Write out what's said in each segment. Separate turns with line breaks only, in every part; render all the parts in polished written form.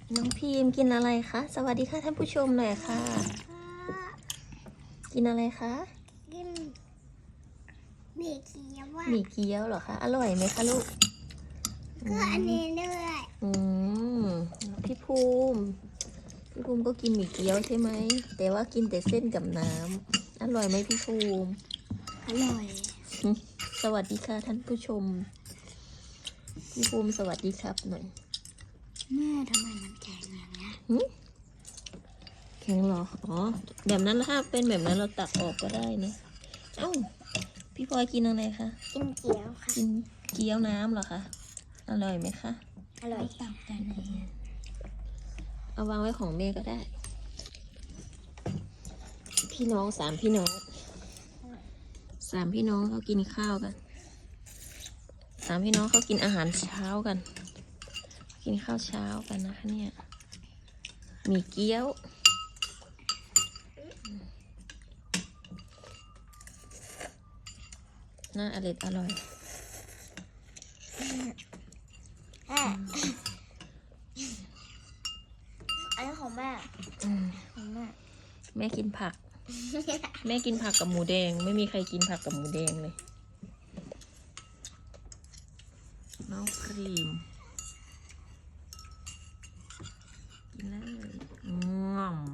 น้องพิมกินอะไรคะสวัสดีค่ะท่านผู้ชมหน่อยค่ะกินอะไรคะ
กินหมี่เกี๊ยวอ่ะ
หมี่เกี๊ยวเหรอคะอร่อยไหมคะลูก
ก็อันนี้ด้วย
อืมพี่ภูมิก็กินหมี่เกี๊ยวใช่ไหมแต่ว่ากินแต่เส้นกับน้ำอร่อยไหมพี่ภูมิ
อร่อย
สวัสดีค่ะท่านผู้ชมพี่ภูมิสวัสดีครับหน่อย
แม่ทำไมมันแข็งอย่างเงี้ย
แข็งเหรออ๋อแบบนั้นถ้าเป็นแบบนั้นเราตักออกก็ได้นะเอ้าพี่พลอยกินอะไรคะ
กินเกี๊ยวค่ะ
กินเกี๊ยวน้ำเหรอคะอร่อยไหมคะ
อร่อยตักกันเลย
เอาวางไว้ของแม่ก็ได้พี่น้องสามพี่น้องเขากินข้าวกันสามพี่น้องเขากินอาหารเช้ากันกินข้าวเช้ากันนะคะเนี่ยมีเกี๊ยวน่าอร่อย
อันนี้ของแม่ของแม่
แม่กินผัก แม่กินผักกับหมูแดงไม่มีใครกินผักกับหมูแดงเลยน้องครีมกินเลยง่อม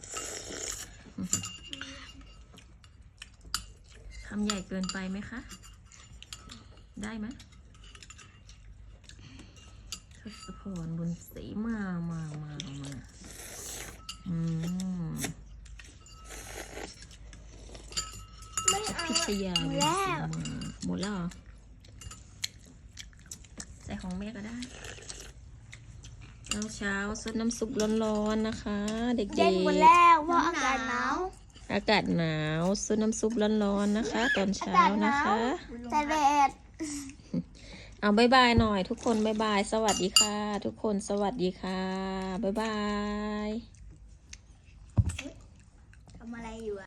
ทำใหญ่เกินไปไหมคะได้ไหมทศพรบุญศรีมา
ไม่เอา
พิชยาบุญศรีมาหมดแล้วเหรอใส่ของแม่ก็ได้เช้าซดน้ำซุปร้อนๆนะคะเด็กๆ
เย็นหมดแล้วเพราะอากาศหนาว
อากาศหนาวซดน้ำซุปร้อนๆนะคะตอนเช้านะคะ
แต่แดด
เอาบายบายหน่อยทุกคนบายบายสวัสดีค่ะทุกคนสวัสดีค่ะบายบาย
ทำอะไรอยู่